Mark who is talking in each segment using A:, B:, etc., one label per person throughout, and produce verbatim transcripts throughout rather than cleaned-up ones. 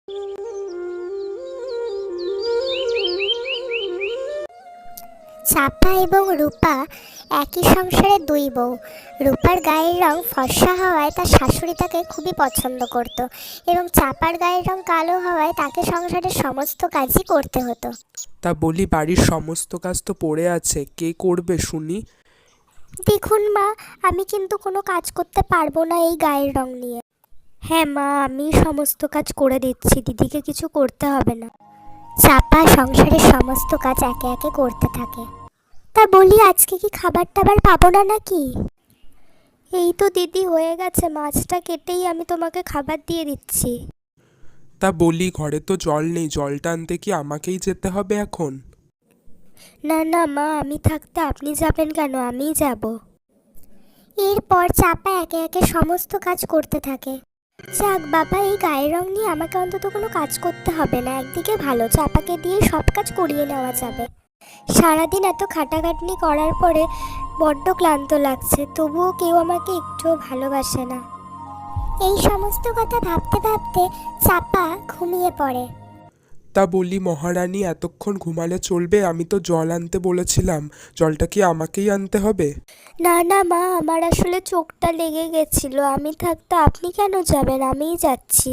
A: চাপা এবং রূপা একই সংসারের দুই বউ। রূপার গায়ের রং ফর্সা হওয়ায় তার শাশুড়ি তাকে খুবই পছন্দ করত এবং চাপার গায়ের রং কালো হওয়ায় তাকে সংসারের সমস্ত কাজই করতে হতো।
B: তা বলি, বাড়ির সমস্ত কাজ তো পড়ে আছে, কে করবে শুনি?
A: দেখুন মা, আমি কিন্তু কোনো কাজ করতে পারবো না এই গায়ের রং নিয়ে। হ্যাঁ মা, আমি সমস্ত কাজ করে দিচ্ছি, দিদিকে কিছু করতে হবে না। চাপা সংসারের সমস্ত কাজ একে একে করতে থাকে। তা বলি, আজকে কি খাবার টাবার পাবো না নাকি? এই তো দিদি হয়ে গেছে, মাছটা কেটেই আমি তোমাকে খাবার দিয়ে দিচ্ছি।
B: তা বলি, ঘরে তো জল নেই, জলটা আনতে কি আমাকেই যেতে হবে এখন?
A: না না মা, আমি থাকতে আপনি যাবেন কেন, আমিই যাব। এরপর চাপা একে একে সমস্ত কাজ করতে থাকে। যাক বাবা, এই গায়ের রং নিয়ে আমাকে অন্তত কোনো কাজ করতে হবে না। একদিকে ভালো, চাপাকে দিয়ে সব কাজ করিয়ে নেওয়া যাবে। সারাদিন এত খাটাখাটনি করার পরে বড্ড ক্লান্ত লাগছে, তবুও কেউ আমাকে একটুও ভালোবাসে না। এই সমস্ত কথা ভাবতে ভাবতে চাপা ঘুমিয়ে পড়ে।
B: তা বলি মহারানী, এতক্ষণ ঘুমালে চলবে? আমি তো জল আনতে বলেছিলাম, জলটা কি আমাকেই আনতে হবে?
A: না না মা, আমার আসলে চোখটা লেগে গেছিল, আমি থাকতে আপনি কেন যাবেন, আমিই যাচ্ছি।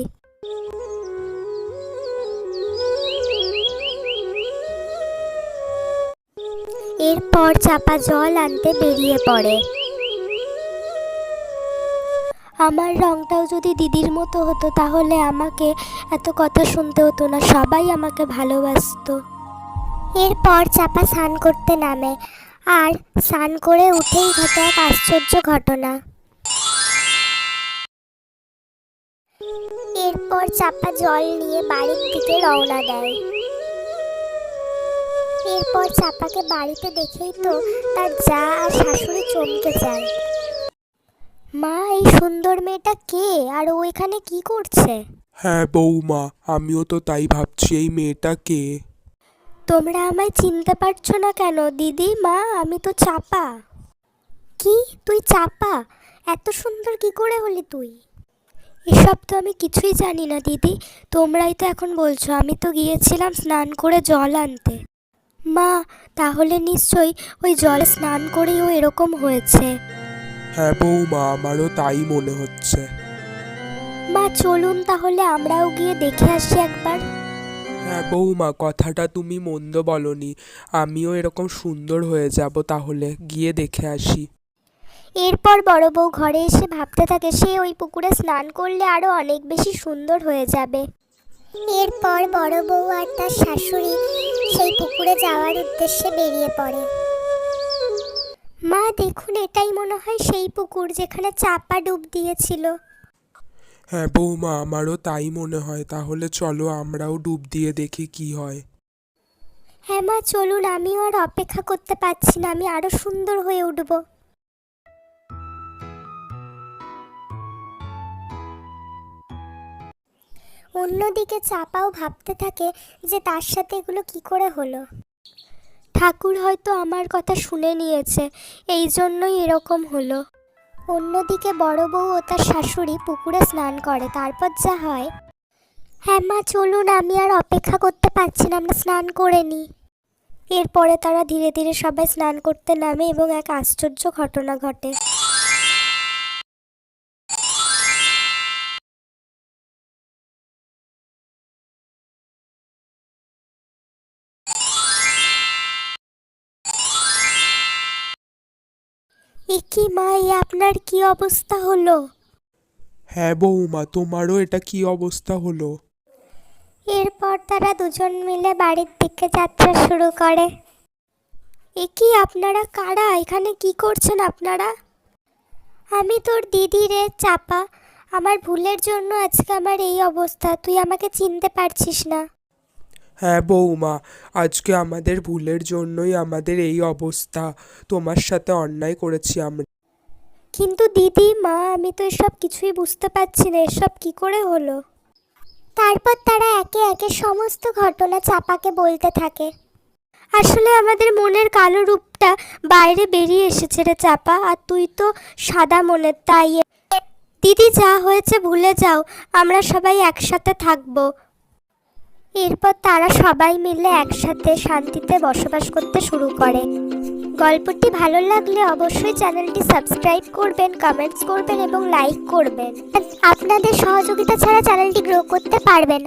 A: এরপর চাপা জল আনতে বেরিয়ে পড়ে। আমার রংটাও যদি দিদির মতো হতো তাহলে আমাকে এত কথা শুনতে হতো না, সবাই আমাকে ভালোবাসতো। এরপর চাপা স্নান করতে নামে, আর স্নান করে উঠেই ঘটে এক আশ্চর্য ঘটনা। এরপর চাপা জল নিয়ে বাড়ির দিকে রওনা দেয়। এরপর চাপাকে বাড়িতে দেখেই তো তার জা আর শাশুড়ি চমকে যায়। মা, এই সুন্দর মেয়েটা কে, আর ও এখানে কি করছে?
B: হ্যাঁ বৌমা, আমিও তো তাই ভাবছি, এই মেয়েটা কে?
A: তোমরা আমায় চিনতে পারছো না কেন? দিদি, মা, আমি তো চাপা। কি, তুই চাপা? এত সুন্দর কি করে হলি তুই? এসব তো আমি কিছুই জানি না দিদি, তোমরাই তো এখন বলছো। আমি তো গিয়েছিলাম স্নান করে জল আনতে। মা, তাহলে নিশ্চয়ই ওই জলে স্নান করেই ও এরকম হয়েছে।
B: হ্যাঁ বৌমা, আমারও তাই মনে হচ্ছে।
A: মা চলুন তাহলে আমরাও গিয়ে দেখে আসি একবার।
B: হ্যাঁ বৌমা, কথাটা তুমি মন্দ বলনি, আমিও এরকম সুন্দর হয়ে যাব, তাহলে গিয়ে দেখে আসি।
A: এরপর বড় বউ ঘরে এসে ভাবতে থাকে সে ওই পুকুরে স্নান করলে আরো অনেক বেশি সুন্দর হয়ে যাবে। এরপর বড় বউ আর তার শাশুড়ি সেই পুকুরে যাওয়ার উদ্দেশ্যে বেরিয়ে পড়ে। মা দেখুন, এটাই মনে হয় সেই পুকুর যেখানে চাপা ডুব দিয়েছিল।
B: হ্যাঁ বৌমা, আমারও তাই মনে হয়, তাহলে চলো আমরাও ডুব দিয়ে দেখি কি হয়।
A: হ্যাঁ মা চলুন, আমিও আর অপেক্ষা করতে পারছি না, আমি আরো সুন্দর হয়ে উঠব। অন্যদিকে চাপাও ভাবতে থাকে যে তার সাথে এগুলো কি করে হলো। ঠাকুর হয়তো আমার কথা শুনে নিয়েছে, এই জন্যই এরকম হলো। অন্যদিকে বড় বউ ও তার শাশুড়ি পুকুরে স্নান করে, তারপর যা হয়। হ্যাঁ মা চলুন, আমি আর অপেক্ষা করতে পারছি না, আমরা স্নান করে নিই। এরপরে তারা ধীরে ধীরে সবাই স্নান করতে নামে এবং এক আশ্চর্য ঘটনা ঘটে। এ কি মা, এ আপনার কি অবস্থা হলো?
B: হ্যাঁ বৌমা, তোমারও এটা কি অবস্থা হলো?
A: এরপর তারা দুজন মিলে বাড়ির দিকে যাত্রা শুরু করে। এ কি, আপনারা কারা? এখানে কি করছেন আপনারা? আমি তোর দিদি রে চাপা, আমার ভুলের জন্য আজকে আমার এই অবস্থা, তুই আমাকে চিনতে পারছিস না।
B: হ্যাঁ বৌমা, আজকে আমাদের ভুলের জন্যই আমাদের এই অবস্থা, তোমার সাথে অন্যায় করেছি আমরা।
A: কিন্তু দিদি, মা, আমি তো এসব কিছুই বুঝতে পারছি না, এসব কি করে হলো? তারপর তারা একে একে সমস্ত ঘটনা চাপাকে বলতে থাকে। আসলে আমাদের মনের কালো রূপটা বাইরে বেরিয়ে এসেছে রে চাপা, আর তুই তো সাদা মনের, তাই। দিদি, যা হয়েছে ভুলে যাও, আমরা সবাই একসাথে থাকবো। এরপর তারা সবাই মিলে একসাথে শান্তিতে বসবাস করতে শুরু করে। গল্পটি ভালো লাগলে অবশ্যই চ্যানেলটি সাবস্ক্রাইব করবেন, কমেন্টস করবেন এবং লাইক করবেন। আপনাদের সহযোগিতা ছাড়া চ্যানেলটি গ্রো করতে পারবে না।